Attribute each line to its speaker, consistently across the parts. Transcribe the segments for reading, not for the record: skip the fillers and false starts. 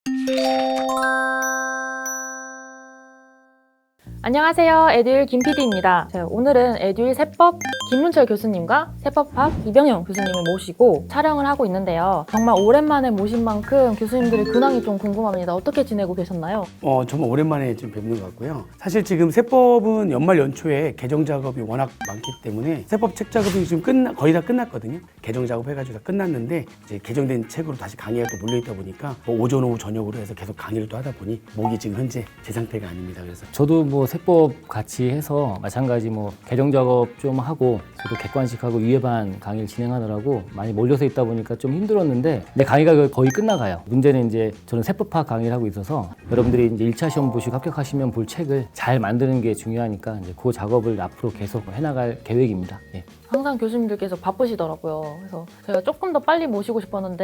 Speaker 1: 안녕하세요. 에듀윌 김PD입니다. 오늘은 에듀윌 세법 김문철 교수님과 세법학 이병영 교수님을 모시고 촬영을 하고 있는데요. 정말 오랜만에 모신 만큼 교수님들의 근황이 좀 궁금합니다. 어떻게 지내고 계셨나요?
Speaker 2: 정말 오랜만에 지금 뵙는 것 같고요. 사실 지금 세법은 연말 연초에 개정 작업이 워낙 많기 때문에 세법 책 작업이 지금 거의 다 끝났거든요. 개정 작업 해가지고 다 끝났는데 이제 개정된 책으로 다시 강의가 또 몰려있다 보니까 오전, 오후, 저녁으로 해서 계속 강의를 또 하다 보니 목이 지금 현재 제 상태가 아닙니다. 그래서
Speaker 3: 저도 세법 같이 해서 마찬가지 개정 작업 좀 하고 저도 객관식하고 유예반 강의를 진행하느라고 많이 몰려서 있다 보니까 좀 힘들었는데 근데 강의가 거의 끝나가요. 문제는 이제 저는 세법학 강의를 하고 있어서 여러분들이 이제 1차 시험 보시고 합격하시면 볼 책을 잘 만드는 게 중요하니까 이제 그 작업을 앞으로 계속 해나갈 계획입니다. 예.
Speaker 1: 항상 교수님들께서 바쁘시더라고요. 그래서 제가 조금 더 빨리 모시고 싶었는데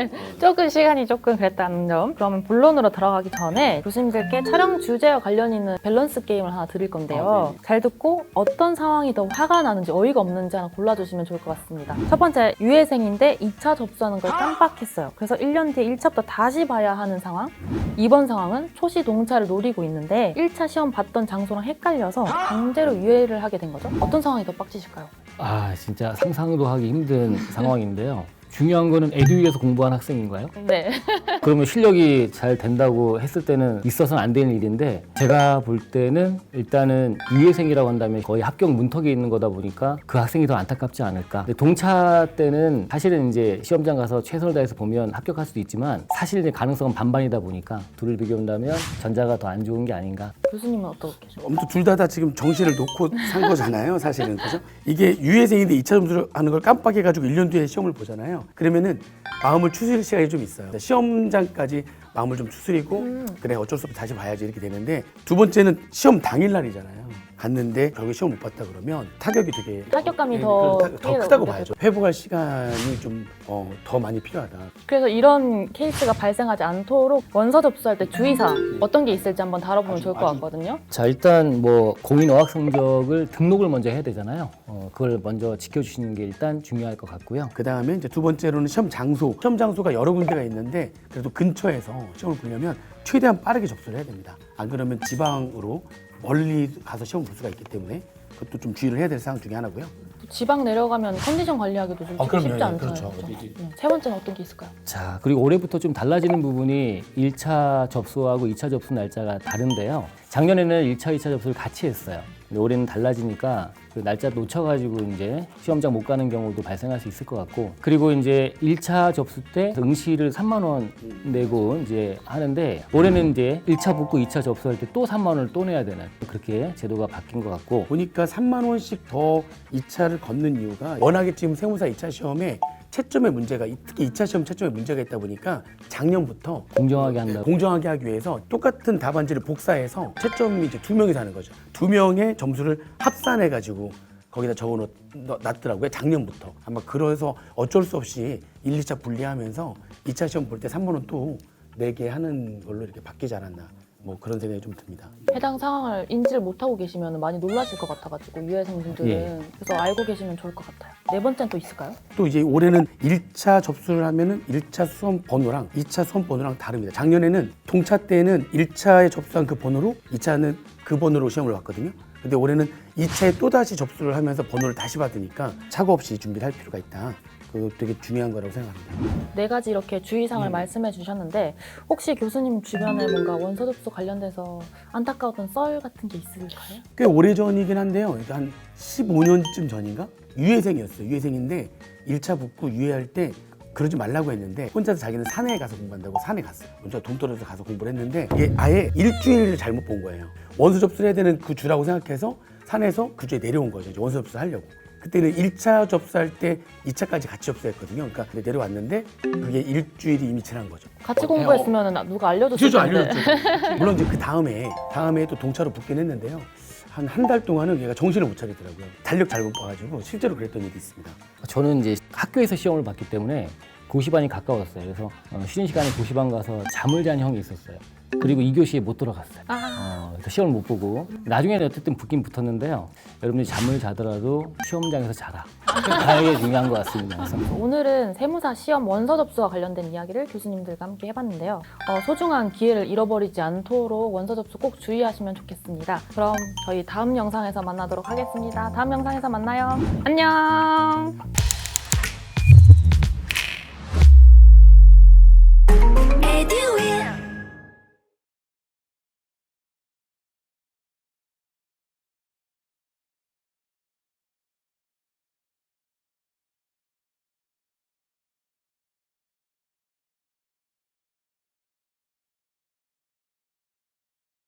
Speaker 1: 조금 시간이 그랬다는 점. 그러면 본론으로 들어가기 전에 교수님들께 촬영 주제와 관련 있는 밸런스 게임을 하나 드릴 건데요. 잘 듣고 어떤 상황이 더 화가 나는지 어이가 없는지 하나 골라주시면 좋을 것 같습니다. 첫 번째, 유예생인데 2차 접수하는 걸 깜빡했어요. 그래서 1년 뒤에 1차부터 다시 봐야 하는 상황. 2번 상황은 초시 동차를 노리고 있는데 1차 시험 봤던 장소랑 헷갈려서 강제로 유예를 하게 된 거죠. 어떤 상황이 더 빡치실까요?
Speaker 3: 진짜 상상도 하기 힘든 상황인데요. 중요한 거는 에듀윌에서 공부한 학생인가요?
Speaker 1: 네.
Speaker 3: 그러면 실력이 잘 된다고 했을 때는 있어서는 안 되는 일인데 제가 볼 때는 일단은 유예생이라고 한다면 거의 합격 문턱에 있는 거다 보니까 그 학생이 더 안타깝지 않을까. 근데 동차 때는 사실은 이제 시험장 가서 최선을 다해서 보면 합격할 수도 있지만 사실 이제 가능성은 반반이다 보니까 둘을 비교한다면 전자가 더 안 좋은 게 아닌가.
Speaker 1: 교수님은 어떻게 계세요?
Speaker 2: 아무튼 둘 다 지금 정신을 놓고 산 거잖아요. 사실은. 그죠? 이게 유예생인데 2차 점수를 하는 걸 깜빡해가지고 1년 뒤에 시험을 보잖아요. 그러면은 마음을 추스릴 시간이 좀 있어요. 시험장까지 마음을 좀 추스리고 그래 어쩔 수 없이 다시 봐야지 이렇게 되는데 두 번째는 시험 당일날이잖아요. 갔는데 결국에 시험 못 봤다 그러면 타격이 되게
Speaker 1: 타격감이 더
Speaker 2: 크다고 봐야죠. 회복할 시간이 좀 더 많이 필요하다.
Speaker 1: 그래서 이런 케이스가 발생하지 않도록 원서 접수할 때 주의사항 어떤 게 있을지 한번 다뤄보면 좋을 것 같거든요.
Speaker 3: 자, 일단 공인 어학 성적을 등록을 먼저 해야 되잖아요. 그걸 먼저 지켜주시는 게 일단 중요할 것 같고요.
Speaker 2: 그 다음에 이제 두 번째로는 시험 장소. 시험 장소가 여러 군데가 있는데 그래도 근처에서 시험을 보려면 최대한 빠르게 접수를 해야 됩니다. 안 그러면 지방으로 멀리 가서 시험 볼 수가 있기 때문에 그것도 좀 주의를 해야 될 사항 중에 하나고요.
Speaker 1: 지방 내려가면 컨디션 관리하기도 좀 쉽지 않잖아요.
Speaker 2: 그렇죠.
Speaker 1: 세 번째는 어떤 게 있을까요?
Speaker 3: 자, 그리고 올해부터 좀 달라지는 부분이 1차 접수하고 2차 접수 날짜가 다른데요. 작년에는 1차, 2차 접수를 같이 했어요. 근데 올해는 달라지니까 그 날짜 놓쳐가지고 이제 시험장 못 가는 경우도 발생할 수 있을 것 같고 그리고 이제 1차 접수 때 응시를 3만 원 내고 이제 하는데 올해는 이제 1차 붙고 2차 접수할 때 또 3만 원을 또 내야 되는 그렇게 제도가 바뀐 것 같고
Speaker 2: 보니까 3만 원씩 더 2차를 걷는 이유가 워낙에 지금 세무사 2차 시험에 채점의 문제가 특히 2차 시험 채점에 문제가 있다 보니까 작년부터
Speaker 3: 공정하게 한다고
Speaker 2: 공정하게 하기 위해서 똑같은 답안지를 복사해서 채점이 이제 2명이서 하는 거죠. 2명의 점수를 합산해가지고 거기다 적어놨더라고요. 작년부터. 아마 그래서 어쩔 수 없이 1, 2차 분리하면서 2차 시험 볼 때 3만 원 또 내게 하는 걸로 이렇게 바뀌지 않았나. 그런 생각이 좀 듭니다.
Speaker 1: 해당 상황을 인지를 못하고 계시면 많이 놀라실 것 같아가지고 유해생분들은
Speaker 3: 예.
Speaker 1: 그래서 알고 계시면 좋을 것 같아요. 네 번째는 또 있을까요?
Speaker 2: 또 이제 올해는 1차 접수를 하면은 1차 수험 번호랑 2차 수험 번호랑 다릅니다. 작년에는 동차 때는 1차에 접수한 그 번호로 2차는 그 번호로 시험을 봤거든요. 근데 올해는 2차에 또다시 접수를 하면서 번호를 다시 받으니까 착오 없이 준비를 할 필요가 있다. 그거 되게 중요한 거라고 생각합니다.
Speaker 1: 네 가지 이렇게 주의사항을 말씀해 주셨는데 혹시 교수님 주변에 뭔가 원서 접수 관련돼서 안타까웠던 썰 같은 게 있을까요?
Speaker 2: 꽤 오래전이긴 한데요. 한 15년쯤 전인가? 유예생이었어요. 유예생인데 1차 붙고 유예할 때 그러지 말라고 했는데 혼자서 자기는 산에 가서 공부한다고 산에 갔어요. 혼자 돈 떨어져서 가서 공부를 했는데 이게 아예 일주일을 잘못 본 거예요. 원서 접수를 해야 되는 그 주라고 생각해서 산에서 그 주에 내려온 거죠. 이제 원서 접수를 하려고. 그때는 1차 접수할 때 2차까지 같이 접수했거든요. 그러니까 내려왔는데 그게 일주일이 이미 지난 거죠.
Speaker 1: 같이 공부했으면 누가 알려줬을 텐데.
Speaker 2: 물론 이제 그 다음에 또 동차로 붙긴 했는데요. 한 달 동안은 얘가 정신을 못 차리더라고요. 달력 잘못 봐가지고 실제로 그랬던 일이 있습니다.
Speaker 3: 저는 이제 학교에서 시험을 봤기 때문에 고시반이 가까웠어요. 그래서 쉬는 시간에 고시반 가서 잠을 잔 형이 있었어요. 그리고 2교시에 못 들어갔어요. 그래서 시험을 못 보고 나중에는 어쨌든 붙긴 붙었는데요. 여러분들이 잠을 자더라도 시험장에서 자라. 다행히 중요한 것 같습니다. 그래서
Speaker 1: 오늘은 세무사 시험 원서 접수와 관련된 이야기를 교수님들과 함께 해봤는데요. 소중한 기회를 잃어버리지 않도록 원서 접수 꼭 주의하시면 좋겠습니다. 그럼 저희 다음 영상에서 만나도록 하겠습니다. 다음 영상에서 만나요. 안녕.
Speaker 4: Edu